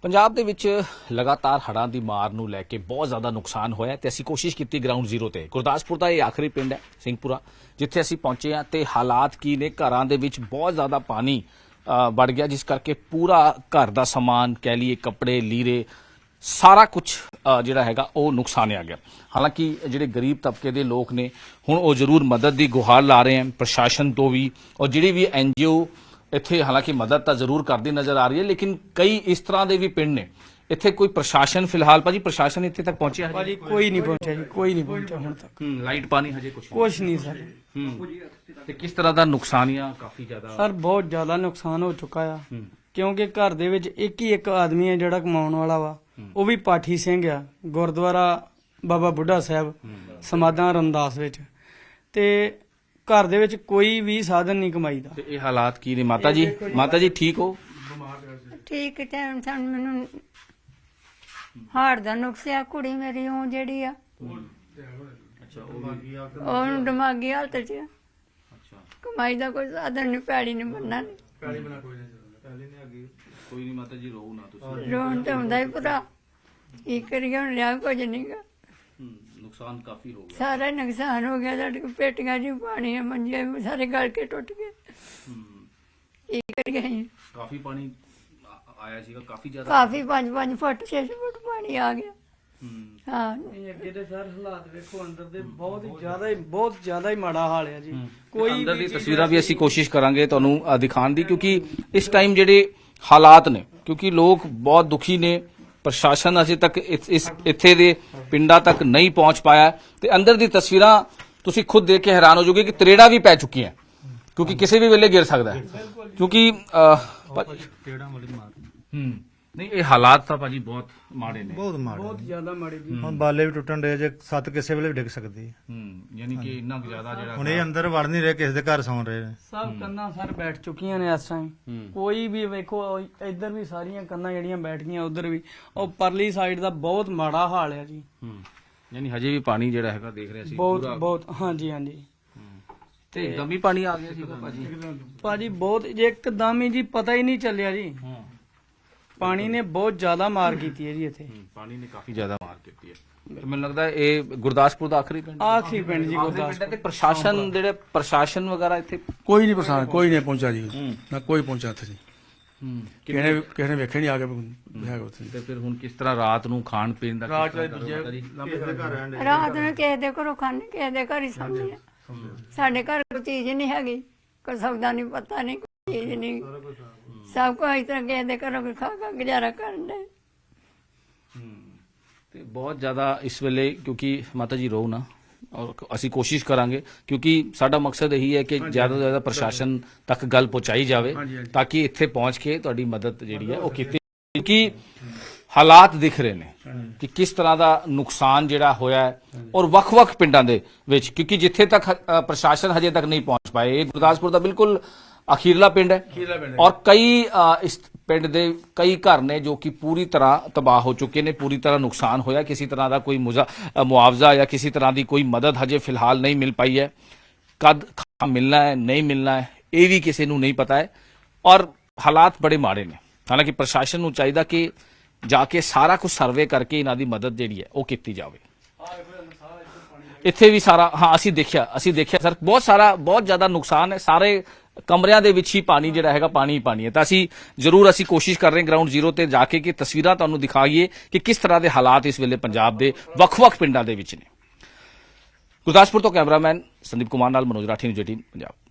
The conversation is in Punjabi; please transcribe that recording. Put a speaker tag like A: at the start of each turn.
A: ਪੰਜਾਬ ਦੇ ਵਿੱਚ ਲਗਾਤਾਰ ਹੜ੍ਹਾਂ ਦੀ ਮਾਰ ਨੂੰ ਲੈ ਕੇ ਬਹੁਤ ਜ਼ਿਆਦਾ ਨੁਕਸਾਨ ਹੋਇਆ ਤੇ ਅਸੀਂ ਕੋਸ਼ਿਸ਼ ਕੀਤੀ ਗਰਾਊਂਡ ਜ਼ੀਰੋ ਤੇ ਗੁਰਦਾਸਪੁਰ ਦਾ ਇਹ ਆਖਰੀ ਪਿੰਡ ਹੈ ਸਿੰਘਪੁਰਾ, ਜਿੱਥੇ ਅਸੀਂ ਪਹੁੰਚੇ ਹਾਂ ਤੇ ਹਾਲਾਤ ਕੀ ਨੇ। ਘਰਾਂ ਦੇ ਵਿੱਚ ਬਹੁਤ ਜ਼ਿਆਦਾ ਪਾਣੀ ਵੜ ਗਿਆ, ਜਿਸ ਕਰਕੇ ਪੂਰਾ ਘਰ ਦਾ ਸਮਾਨ ਕਹਿ ਲਈਏ, ਕੱਪੜੇ ਲੀਰੇ, ਸਾਰਾ ਕੁਝ ਜਿਹੜਾ ਹੈਗਾ ਉਹ ਨੁਕਸਾਨਿਆ ਗਿਆ। ਹਾਲਾਂਕਿ ਜਿਹੜੇ ਗਰੀਬ ਤਬਕੇ ਦੇ ਲੋਕ ਨੇ ਹੁਣ ਉਹ ਜ਼ਰੂਰ ਮਦਦ ਦੀ ਗੁਹਾਰ ਲਾ ਰਹੇ ਹਨ ਪ੍ਰਸ਼ਾਸਨ ਤੋਂ ਵੀ, ਔਰ ਜਿਹੜੀ ਵੀ NGO ਇੱਥੇ ਹਾਲਾਂਕਿ ਮਦਦ ਤਾਂ ਜ਼ਰੂਰ ਕਰਦੀ ਨਜ਼ਰ ਆ ਰਹੀ ਹੈ, ਲੇਕਿਨ ਕਈ ਇਸ ਤਰ੍ਹਾਂ ਦੇ ਵੀ ਪਿੰਡ ਨੇ ਇੱਥੇ ਕੋਈ ਪ੍ਰਸ਼ਾਸਨ ਫਿਲਹਾਲ ਭਾਜੀ ਪ੍ਰਸ਼ਾਸਨ ਇੱਥੇ ਤੱਕ ਪਹੁੰਚਿਆ
B: ਭਾਜੀ ਕੋਈ ਨਹੀਂ ਪਹੁੰਚਿਆ ਜੀ, ਕੋਈ ਨਹੀਂ ਪਹੁੰਚਿਆ ਹੁਣ ਤੱਕ।
A: ਲਾਈਟ ਪਾਣੀ ਹਜੇ
B: ਕੁਛ ਨਹੀਂ ਸਰ।
A: ਤੇ ਕਿਸ ਤਰ੍ਹਾਂ ਦਾ ਨੁਕਸਾਨੀਆਂ ਕਾਫੀ ਜ਼ਿਆਦਾ
B: ਸਰ ਬਹੁਤ ਜ਼ਿਆਦਾ ਨੁਕਸਾਨ ਹੋ ਚੁੱਕਾ ਆ, ਕਿਉਂਕਿ ਘਰ ਦੇ ਵਿੱਚ ਇੱਕ ਹੀ ਇੱਕ ਆਦਮੀ ਹੈ ਜਿਹੜਾ ਕਮਾਉਣ ਵਾਲਾ ਵਾ, ਉਹ ਵੀ ਪਾਠੀ ਸਿੰਘ ਆ, ਗੁਰਦੁਆਰਾ ਬਾਬਾ ਬੁੱਢਾ ਸਾਹਿਬ ਸਮਾਧਾਂ ਰਮਦਾਸ ਵਿੱਚ, ਤੇ ਘਰ ਦੇ ਵਿੱਚ ਕੋਈ ਵੀ ਸਾਧਨ ਨਹੀਂ ਕਮਾਈ ਦਾ।
A: ਤੇ ਇਹ ਹਾਲਾਤ ਕੀ ਨੇ ਮਾਤਾ ਜੀ? ਮਾਤਾ ਜੀ ਠੀਕ ਹੋ?
C: ਠੀਕ ਟਾਈਮ ਸਾਨੂੰ ਮੈਨੂੰ ਹਾਰਟ ਦਾ ਨੁਕਸ ਆ, ਕੁੜੀ ਮੇਰੀ ਉਹ ਜਿਹੜੀ ਆ ਉਹਨੂੰ ਦਿਮਾਗੀ ਹਾਲਤ ਚ ਆ। ਕਮਾਈ ਦਾ ਕੋਈ ਸਾਧਨ ਨਹੀਂ, ਪੈੜੀ ਨਹੀਂ ਬੰਨਾ ਨਹੀਂ।
A: ਕੋਈ ਨਹੀਂ ਮਾਤਾ ਜੀ, ਰੋ ਨਾ ਤੁਸੀਂ।
C: ਰੋਣ ਤੇ ਹੁੰਦਾ ਹੀ ਪੂਰਾ, ਕੀ ਕਰੀਏ ਹੁਣ, ਲਿਆ ਕੁਝ ਨਹੀਂ ਗਾ।
A: ਨੁਕਸਾਨ ਕਾਫੀ ਹੋ ਗਿਆ,
C: ਸਾਰਾ ਨੁਕਸਾਨ ਹੋ ਗਿਆ। ਸਾਡੇ ਕੋਲ ਪੇਟੀਆਂ ਜੀ ਪਾਣੀ, ਮੰਜੇ ਸਾਰੇ ਗਲ ਕੇ ਟੁੱਟ ਗਏ। ਕੀ ਕਰੀਏ ਅਸੀਂ?
A: ਕਾਫੀ ਪਾਣੀ ਆਇਆ ਸੀਗਾ, ਕਾਫੀ ਜ਼ਿਆਦਾ।
C: ਕਾਫੀ 5-5 ਫੁੱਟ 6 ਫੁੱਟ ਪਾਣੀ ਆ ਗਿਆ। ਹਾਂ
B: ਅੱਗੇ ਤੇ ਸਰ ਹਾਲਾਤ ਵੇਖੋ ਅੰਦਰ ਦੇ ਬਹੁਤ ਜ਼ਿਆਦਾ ਹੀ ਮਾੜਾ ਹਾਲ ਹੈ ਜੀ। ਕੋਈ
A: ਅੰਦਰ ਦੀ ਤਸਵੀਰਾਂ ਵੀ ਅਸੀਂ ਕੋਸ਼ਿਸ਼ ਕਰਾਂਗੇ ਤੁਹਾਨੂੰ ਦਿਖਾਉਣ ਦੀ, ਕਿਉਂਕਿ ਇਸ ਟਾਈਮ ਜਿਹੜੇ ਹਾਲਾਤ ਨੇ, ਕਿਉਂਕਿ ਲੋਕ ਬਹੁਤ ਦੁਖੀ ਨੇ। ਪ੍ਰਸ਼ਾਸਨ ਅਜੇ ਤੱਕ ਇੱਥੇ ਦੇ ਪਿੰਡਾਂ ਤੱਕ ਨਹੀਂ ਪਹੁੰਚ ਪਾਇਆ ਤੇ ਅੰਦਰ ਦੀ ਤਸਵੀਰਾਂ ਤੁਸੀਂ ਖੁਦ ਦੇਖ ਕੇ ਹੈਰਾਨ ਹੋ ਜਾਓਗੇ ਕਿ ਤਰੇੜਾਂ ਵੀ ਪੈ ਚੁੱਕੀਆਂ, ਕਿਉਂਕਿ ਕਿਸੇ ਵੀ ਵੇਲੇ ਗਿਰ ਸਕਦਾ ਹੈ। ਕਿਉਂਕਿ ਨਹੀਂ, ਇਹ ਹਾਲਾਤ ਤਾਂ ਭਾਜੀ ਬਹੁਤ ਮਾੜੇ ਨੇ,
B: ਬਹੁਤ ਜ਼ਿਆਦਾ ਮਾੜੇ ਜੀ।
D: ਹੁਣ ਬਾਲੇ ਵੀ ਟੁੱਟਣ ਦੇ, ਜੇ ਛੱਤ ਕਿਸੇ ਵੇਲੇ ਵੀ ਡਿੱਗ ਸਕਦੀ ਹੈ।
A: ਯਾਨੀ ਕਿ ਇੰਨਾ ਕੁ ਜ਼ਿਆਦਾ ਜਿਹੜਾ
D: ਹੁਣ ਇਹ ਅੰਦਰ ਵੜ ਨਹੀਂ ਰਹੇ, ਕਿਸੇ ਦੇ ਘਰ ਸੌਂ ਰਹੇ ਨੇ।
B: ਸਭ ਕੰਨਾਂ ਸਰ ਬੈਠ ਚੁੱਕੀਆਂ ਨੇ ਇਸ ਟਾਈਮ। ਕੋਈ ਵੀ ਵੇਖੋ, ਇੱਧਰ ਵੀ ਸਾਰੀਆਂ ਕੰਨਾਂ ਜਿਹੜੀਆਂ ਬੈਠ ਗਈਆਂ, ਉਧਰ ਵੀ, ਉਹ ਪਰਲੀ ਸਾਈਡ ਦਾ ਬਹੁਤ ਮਾੜਾ ਹਾਲ ਹੈ ਜੀ।
A: ਯਾਨੀ ਹਜੇ ਵੀ ਪਾਣੀ ਜਿਹੜਾ ਹੈਗਾ ਦੇਖ ਰਿਹਾ ਸੀ
B: ਬਹੁਤ ਹਾਂਜੀ ਹਾਂਜੀ।
A: ਤੇ ਇੱਕਦਮ ਹੀ ਪਾਣੀ ਆ ਗਿਆ ਸੀ
B: ਭਾਜੀ ਬਹੁਤ ਇੱਕਦਮ ਹੀ ਜੀ, ਪਤਾ ਹੀ ਨਹੀਂ ਚੱਲਿਆ ਜੀ। ਪਾਣੀ ਨੇ ਬਹੁਤ ਜ਼ਿਆਦਾ ਮਾਰ ਕੀਤੀ ਹੈ ਜੀ ਇੱਥੇ।
A: ਪਾਣੀ ਨੇ ਕਾਫੀ ਜ਼ਿਆਦਾ ਮਾਰ ਕੀਤੀ ਹੈ। ਮੈਨੂੰ ਲੱਗਦਾ ਇਹ ਗੁਰਦਾਸਪੁਰ ਦਾ ਆਖਰੀ ਪਿੰਡ
B: ਜੀ ਗੁਰਦਾਸਪੁਰ।
A: ਤੇ ਪ੍ਰਸ਼ਾਸਨ ਜਿਹੜੇ ਪ੍ਰਸ਼ਾਸਨ ਵਗੈਰਾ ਇੱਥੇ
E: ਕੋਈ ਨਹੀਂ ਪ੍ਰਸ਼ਾਸਨ, ਕੋਈ ਨਹੀਂ ਪਹੁੰਚਾ ਜੀ, ਨਾ ਕੋਈ ਪਹੁੰਚਾ ਇੱਥੇ ਜੀ। ਕਿਸੇ ਨੇ ਵੇਖਿਆ ਨਹੀਂ ਆ ਕੇ ਹੈਗਾ ਉੱਥੇ।
A: ਤੇ ਫਿਰ ਹੁਣ ਕਿਸ ਤਰ੍ਹਾਂ ਰਾਤ ਨੂੰ ਖਾਣ ਪੀਣ ਦਾ
C: ਰਾਤ ਨੂੰ ਕਿਸੇ ਦੇ ਘਰੋਂ ਖਾਣੇ, ਕਿਸੇ ਦੇ ਘਰ ਹੀ ਸਾਂਭੀ ਆ। ਸਾਡੇ ਘਰ ਕੋਈ ਚੀਜ਼ ਨਹੀਂ ਹੈਗੀ, ਕੋਈ ਸੌਦਾ ਨਹੀਂ, ਪਤਾ ਨਹੀਂ, ਕੋਈ ਚੀਜ਼ ਨਹੀਂ, ਸਭ ਕੁਝ ਇਸ ਤਰ੍ਹਾਂ ਕਿਸੇ ਦੇ ਘਰੋਂ ਖਾ ਖਾ ਗੁਜ਼ਾਰਾ ਕਰਨ ਦੇ।
A: ਤੇ ਬਹੁਤ ਜ਼ਿਆਦਾ ਇਸ ਵੇਲੇ, ਕਿਉਂਕਿ ਮਾਤਾ ਜੀ ਰੋ ਨਾ, ਔਰ ਅਸੀਂ ਕੋਸ਼ਿਸ਼ ਕਰਾਂਗੇ, ਕਿਉਂਕਿ ਸਾਡਾ ਮਕਸਦ ਇਹੀ ਹੈ ਕਿ ਜ਼ਿਆਦਾ ਤੋਂ ਜ਼ਿਆਦਾ ਪ੍ਰਸ਼ਾਸਨ ਤੱਕ ਗੱਲ ਪਹੁੰਚਾਈ ਜਾਵੇ, ਤਾਂ ਕਿ ਇੱਥੇ ਪਹੁੰਚ ਕੇ ਤੁਹਾਡੀ ਮਦਦ ਜਿਹੜੀ ਹੈ ਉਹ ਕੀਤੀ। ਕਿਉਂਕਿ ਹਾਲਾਤ ਦਿਖ ਰਹੇ ਨੇ ਕਿ ਕਿਸ ਤਰ੍ਹਾਂ ਦਾ ਨੁਕਸਾਨ ਜਿਹੜਾ ਹੋਇਆ ਹੈ, ਔਰ ਵੱਖ-ਵੱਖ ਪਿੰਡਾਂ ਦੇ ਵਿੱਚ, ਕਿਉਂਕਿ ਜਿੱਥੇ ਤੱਕ ਪ੍ਰਸ਼ਾਸਨ ਹਜੇ ਤੱਕ ਨਹੀਂ ਪਹੁੰਚ ਪਾਏ। ਇਹ ਗੁਰਦਾਸਪੁਰ ਦਾ ਬਿਲਕੁਲ ਅਖੀਰਲਾ ਪਿੰਡ ਹੈ, ਔਰ ਕਈ ਇਸ ਪਿੰਡ ਦੇ ਕਈ ਘਰ ਨੇ ਜੋ ਕਿ ਪੂਰੀ ਤਰ੍ਹਾਂ ਤਬਾਹ ਹੋ ਚੁੱਕੇ ਨੇ, ਪੂਰੀ ਤਰ੍ਹਾਂ ਨੁਕਸਾਨ ਹੋਇਆ। ਕਿਸੇ ਤਰ੍ਹਾਂ ਦਾ ਕੋਈ ਮੁਆਵਜ਼ਾ ਜਾਂ ਕਿਸੇ ਤਰ੍ਹਾਂ ਦੀ ਕੋਈ ਮਦਦ ਹਜੇ ਫਿਲਹਾਲ ਨਹੀਂ ਮਿਲ ਪਾਈ ਹੈ। ਕਦ ਮਿਲਣਾ ਹੈ, ਨਹੀਂ ਮਿਲਣਾ ਹੈ, ਇਹ ਵੀ ਕਿਸੇ ਨੂੰ ਨਹੀਂ ਪਤਾ ਹੈ, ਔਰ ਹਾਲਾਤ ਬੜੇ ਮਾੜੇ ਨੇ। ਹਾਲਾਂਕਿ ਪ੍ਰਸ਼ਾਸਨ ਨੂੰ ਚਾਹੀਦਾ ਕਿ ਜਾ ਕੇ ਸਾਰਾ ਕੁਝ ਸਰਵੇ ਕਰਕੇ ਇਹਨਾਂ ਦੀ ਮਦਦ ਜਿਹੜੀ ਹੈ ਉਹ ਕੀਤੀ ਜਾਵੇ। ਇੱਥੇ ਵੀ ਸਾਰਾ ਅਸੀਂ ਦੇਖਿਆ ਸਰ, ਬਹੁਤ ਜ਼ਿਆਦਾ ਨੁਕਸਾਨ ਹੈ। ਸਾਰੇ ਕਮਰਿਆਂ ਦੇ ਵਿੱਚ ਹੀ ਪਾਣੀ ਜਿਹੜਾ ਹੈਗਾ, ਪਾਣੀ ਹੀ ਪਾਣੀ ਹੈ। ਤਾਂ ਅਸੀਂ ਕੋਸ਼ਿਸ਼ ਕਰ ਰਹੇ ਹਾਂ ਗਰਾਊਂਡ ਜ਼ੀਰੋ ਤੇ ਜਾ ਕੇ ਕਿ ਤਸਵੀਰਾਂ ਤੁਹਾਨੂੰ ਦਿਖਾਈਏ ਕਿ ਕਿਸ ਤਰ੍ਹਾਂ ਦੇ ਹਾਲਾਤ ਇਸ ਵੇਲੇ ਪੰਜਾਬ ਦੇ ਵੱਖ-ਵੱਖ ਪਿੰਡਾਂ ਦੇ ਵਿੱਚ ਨੇ। ਗੁਰਦਾਸਪੁਰ ਤੋਂ ਕੈਮਰਾਮੈਨ ਸੰਦੀਪ ਕੁਮਾਰ ਨਾਲ ਮਨੋਜ ਰਾਠੀ, ਨਿਊਜ਼ 18 ਪੰਜਾਬ।